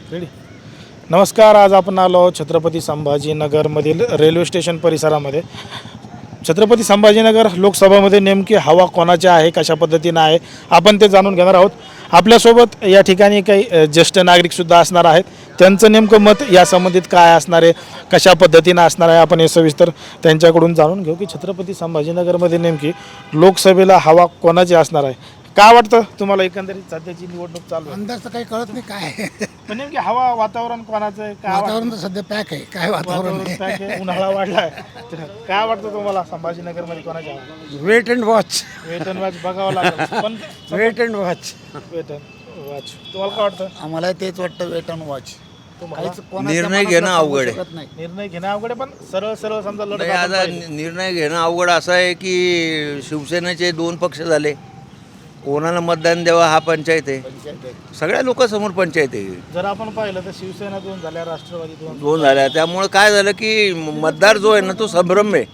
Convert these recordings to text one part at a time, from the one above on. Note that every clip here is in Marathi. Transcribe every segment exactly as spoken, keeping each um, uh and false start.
रेडी. नमस्कार. आज आपण आलो आहोत छत्रपती संभाजीनगरमधील रेल्वे स्टेशन परिसरामध्ये. छत्रपती संभाजीनगर लोकसभामध्ये नेमकी हवा कोणाची आहे, कशा पद्धतीनं आहे, आपण ते जाणून घेणार आहोत. आपल्यासोबत या ठिकाणी काही ज्येष्ठ नागरिकसुद्धा असणार आहेत. त्यांचं नेमकं मत या संबंधित काय असणार आहे, कशा पद्धतीनं असणार आहे, आपण हे सविस्तर त्यांच्याकडून जाणून घेऊ की छत्रपती संभाजीनगरमध्ये नेमकी लोकसभेला हवा कोणाची असणार आहे. काय वाटतं तुम्हाला एकंदरीत सध्याची निवडणूक चालू आहे? अंदाज तर काही कळत नाही काय आहे. पण नेमकी हवा वातावरण कोणाचं आहे, काय वातावरण तर सध्या पॅक आहे. काय वातावरण वातावरण आहे? काय आहे? उन्हाळा वाढलाय. तर काय वाटतं तुम्हाला संभाजीनगरमध्ये कोणाची हवा? Wait and watch. वेतन वाच बघावं लागेल. पण वेट अँड वॉच. वेतन वाच तुम्हाला काय वाटतं? आम्हाला तेच वाटतं, वेट अँड वॉच. तुम्हाला निर्णय घेणं अवघड आहे. नाही. निर्णय घेणं अवघड आहे, पण सरळ सरळ समजा लढत नाही, आपण आता पाहिली. निर्णय घेणं अवघड असं आहे की शिवसेनेचे दोन पक्ष झाले. कोणाला मतदान द्यावा हा पंचायत आहे. सगळ्या लोकांसमोर पंचायत आहे. जर आपण पाहिलं तर शिवसेना दोन झाल्या, राष्ट्रवादी दोन. दोन झाल्या. त्यामुळे काय झालं की मतदार जो आहे ना तो संभ्रम आहे.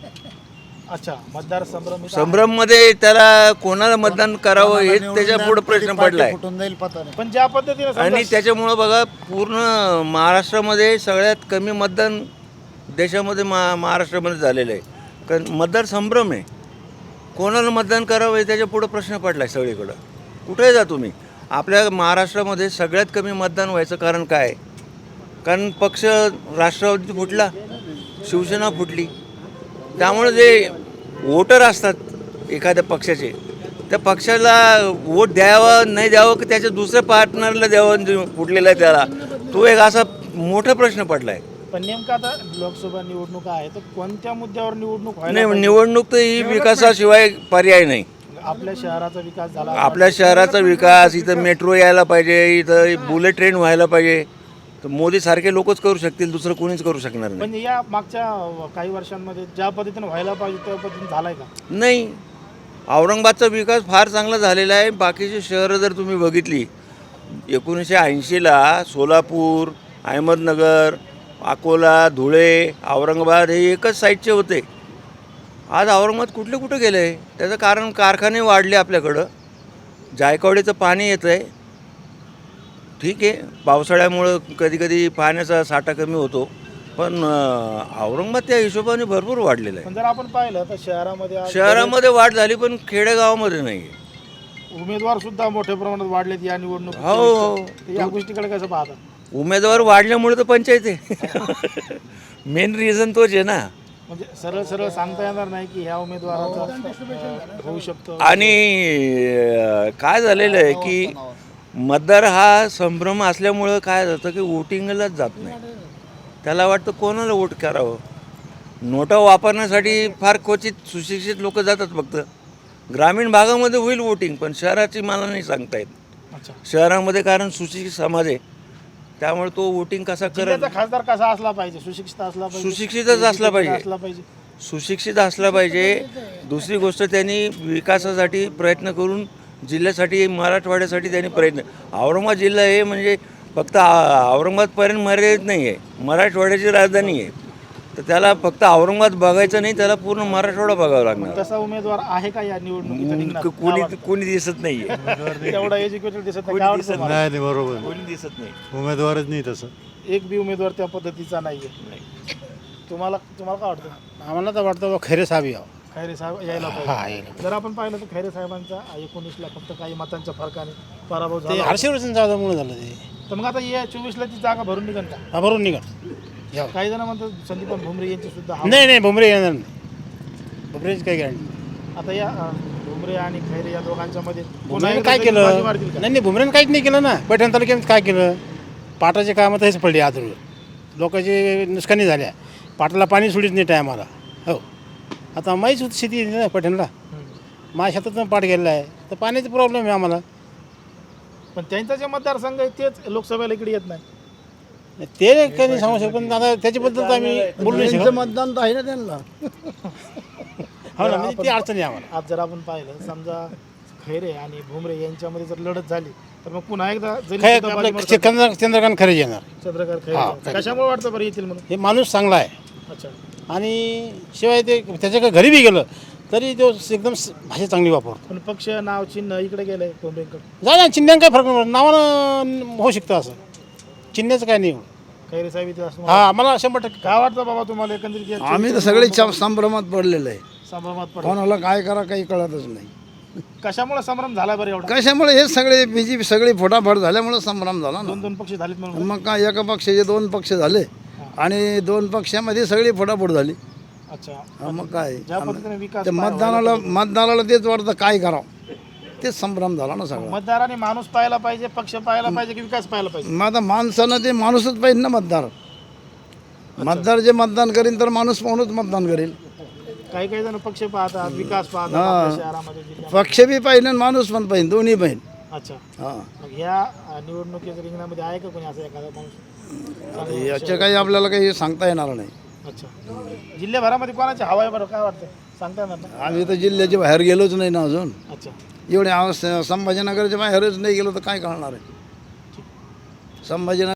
अच्छा, मतदार संभ्रम इथं संभ्रममध्ये त्याला कोणाला मतदान करावं हे त्याच्या पुढे प्रश्न पडलाय. फुटून जाईल पता नाही. आहे. पण ज्या पद्धतीने समजा- आणि त्याच्यामुळं बघा पूर्ण महाराष्ट्रामध्ये सगळ्यात कमी मतदान देशामध्ये मा महाराष्ट्रामध्ये झालेलं आहे. कारण मतदार संभ्रम आहे. कोणाला मतदान करावं हे त्याच्या पुढं प्रश्न पडला आहे सगळीकडं. कुठेही जा तुम्ही. आपल्या महाराष्ट्रामध्ये सगळ्यात कमी मतदान व्हायचं कारण काय आहे? कारण पक्ष राष्ट्रवादी फुटला, शिवसेना फुटली. त्यामुळे जे वोटर असतात एखाद्या पक्षाचे, त्या पक्षाला वोट द्यावं नाही द्यावं की त्याच्या दुसऱ्या पार्टनरला द्यावं जे फुटलेला आहे त्याला, तो एक असा मोठा प्रश्न पडला आहे. पण नेमकं आता लोकसभा निवडणूक आहे, तर कोणत्या मुद्द्यावर निवडणूक व्हायला नाही, पाहिजे? निवडणूक तर ही विकासाशिवाय पर्याय नाही. आपल्या शहराचा विकास झाला आपल्या शहराचा विकास, इथं मेट्रो यायला पाहिजे, इथं बुलेट ट्रेन व्हायला पाहिजे. तर मोदीसारखे लोकच करू शकतील, दुसरं कोणीच करू शकणार नाही. पण या मागच्या काही वर्षांमध्ये ज्या पद्धतीने व्हायला पाहिजे त्या पद्धतीने झालाय का? नाही, औरंगाबादचा विकास फार चांगला झालेला आहे. बाकीची शहरं जर तुम्ही बघितली, एकोणीसशे ऐंशीला सोलापूर, अहमदनगर, अकोला, धुळे, औरंगाबाद हे एकच साईडचे होते. आज औरंगाबाद कुठले कुठं गेलं आहे? त्याचं कारण कारखाने वाढले आपल्याकडं, जायकवाडीचं पाणी येतं आहे. ठीक आहे, पावसाळ्यामुळं कधी कधी पाण्याचा साठा कमी होतो, पण औरंगाबाद त्या हिशोबाने भरपूर वाढलेलं आहे. पण जर आपण पाहिलं तर शहरामध्ये आज शहरामध्ये वाढ झाली पण खेडेगावामध्ये नाही. उमेदवार सुद्धा मोठ्या प्रमाणात वाढलेत या निवडणुकीत. हो, हो. या गोष्टीकडे कसं पाहता? उमेदवार वाढल्यामुळे तर पंचायत आहे. मेन रिझन तोच आहे ना. म्हणजे सरळ सरळ सांगता येणार नाही की ह्या उमेदवाराचा अं, होऊ शकतो. आणि अं, काय झालेलं आहे की मतदार हा संभ्रम असल्यामुळं काय जातं की वोटिंगलाच जात नाही. त्याला वाटतं कोणाला वोट करावं. नोटा वापरण्यासाठी फार क्वचित सुशिक्षित लोक जातात फक्त. ग्रामीण भागामध्ये होईल वोटिंग, पण शहराची मला नाही सांगता येत. अच्छा, शहरामध्ये कारण सुशिक्षित समाज आहे, त्यामुळे तो वोटिंग कसा करेल. जिल्ह्याचा खासदार कसा असला पाहिजे? सुशिक्षित असला पाहिजे, सुशिक्षितच असला पाहिजे. असला पाहिजे. सुशिक्षित असला पाहिजे. दुसरी गोष्ट, त्यांनी विकासासाठी प्रयत्न करून जिल्ह्यासाठी, मराठवाड्यासाठी त्यांनी प्रयत्न. औरंगाबाद जिल्हा हे म्हणजे फक्त औरंगाबादपर्यंत मर्यादित नाही आहे, मराठवाड्याची राजधानी आहे. तर त्याला फक्त औरंगाबाद बघायचं नाही, त्याला पूर्ण मराठवाडा बघावा लागणार. तसा उमेदवार आहे का या निवडणुकीत रिंगणात? कोणी कोणी दिसत नाही आहे. तेवढा एज्युकेटेड दिसत नाही. कोणी काय वाटतं दिसत तुम्हाला? नाही नाही बरोबर कोणी दिसत नाही. उमेदवारच नाही तसं. एक बी उमेदवार त्या पद्धतीचा नाहीये. तुम्हाला तुम्हाला काय वाटतं? आम्हाला तर वाटतं खैरे साहेब यावं. खैरे साहेब यायला हा, पाहिजे. यायला. जर आपण पाहिलं तर खैरे साहेबांचा एकोणीसला फक्त काही मतांच्या फरकाने पराभव ते झाला. हर्षवर्धन जाधवमुळे झालं ते. तर मग आता या चोवीसला ती जागा भरून निघन का? हा, भरून निघा यावं. काही जण म्हणतात संदीप भुमरे यांची सुद्धा हवा. नाही नाही भुमरे येणार नाही. भुमरेची काही गॅरंटी. आता या अं, भुमरे आणि खैरे या दोघांच्या मध्ये पुन्हा भुमरेनं एकदा काय तरी बाजी केलं? मारतील का? नाही नाही भुमरेनं काहीच नाही केलं ना. पैठण तालुक्यात काय केलं? पाटाचे कामं तसेच पडली आदरून. लोकांची नुकसानी झाल्या. पाटाला पाणी सोडीत नाही टायमाला. हो, आता माहीच होती शेती आहे ना पैठणला. हम्म. माझ्या शेतातून पाट गेलेला आहे, तर पाण्याचा प्रॉब्लेम आहे आम्हाला. पण त्यांचा जे मतदारसंघ आहे तेच लोकसभेला इकडे येत नाही. ते काही नाही सांगू शकत, पण आता त्याच्याबद्दल तर आम्ही बोलू नाही शकत. मतदान तर आहे ना त्यांना. हो ना, म्हणजे ती अडचण आहे आम्हाला. आज जर आपण पाहिलं समजा खैरे आणि भुमरे यांच्यामध्ये जर लढत झाली तर मग पुन्हा एकदा जरी काय सुद्धा बाजी आपलं मारतात. चंद्र चंद्रकांत खरे येणार. चंद्रकांत हा, खैरे खैरे. कशामुळे वाटतं बरं येतील म्हणून? हे माणूस चांगला आहे. अच्छा, आणि शिवाय ते त्याच्याकडे घरी बी गेलं तरी तो एकदम स- भाषा चांगली वापरतो. पण पक्ष नाव चिन्ह इकडे गेलंय भुमरेंकडे. जा ना, चिन्हांक काय फरक नाही पडत. नावानं होऊ शकतं असं. चिन्हाचं काय नाही खैरे साहेब इथे असं हा आम्हाला शंभर टक्के काय वाटतं बाबा तुम्हाला एकंदरीत या आम्ही तर सगळे च- संभ्रमात पडलेलो आहे. संभ्रमात पडलं कोणाला काय करा काही कळतच नाही. कशामुळे संभ्रम झाला बरं एवढा कशामुळे हे सगळे बीजेपी सगळी फोटाफोट झाल्यामुळे संभ्रम झाला ना. दोन दोन पक्ष झालेत म्हणून मग काय एका पक्षाचे दोन पक्ष झाले आणि दोन पक्षामध्ये सगळी फोटाफोट झाली. अच्छा हा, मग काय ज्या पद्धतीने विकास ते मतदानाला मतदानाला तेच वाटतं काय करावं, तेच संभ्रम झाला ना सगळा. मतदारांनी माणूस पाहायला पाहिजे, पक्ष पाहायला पाहिजे की विकास पाहायला पाहिजे? मग आता माणसानं ते माणूसच पाहिजे ना मतदार. मतदार जे मतदान करीन तर माणूस पाहूनच मतदान करेल. काही काही जण पक्ष पाहतात, विकास पाहतात आपल्या शहरामध्ये, जिल्ह्यामध्ये. पक्ष बी पाहिजे आणि माणूस पण पाहिजे, दोन्ही पाहिजे. अच्छा, हां, मग ह्या अ, निवडणुकीच्या रिंगणामध्ये आहे का कोणी असं एखादा माणूस? याचे काही आपल्याला काही सांगता येणार नाही. अच्छा, जिल्ह्याभरामध्ये कोणाची हवा आहे बरं, काय वाटतं? सांगता येणार ना? आम्ही तर जिल्ह्याच्या बाहेर गेलोच नाही ना अजून. अच्छा, एवढे आवाज संभाजीनगरच्या बाहेरच नाही गेलो तर काय कळणार आहे. संभाजीनगर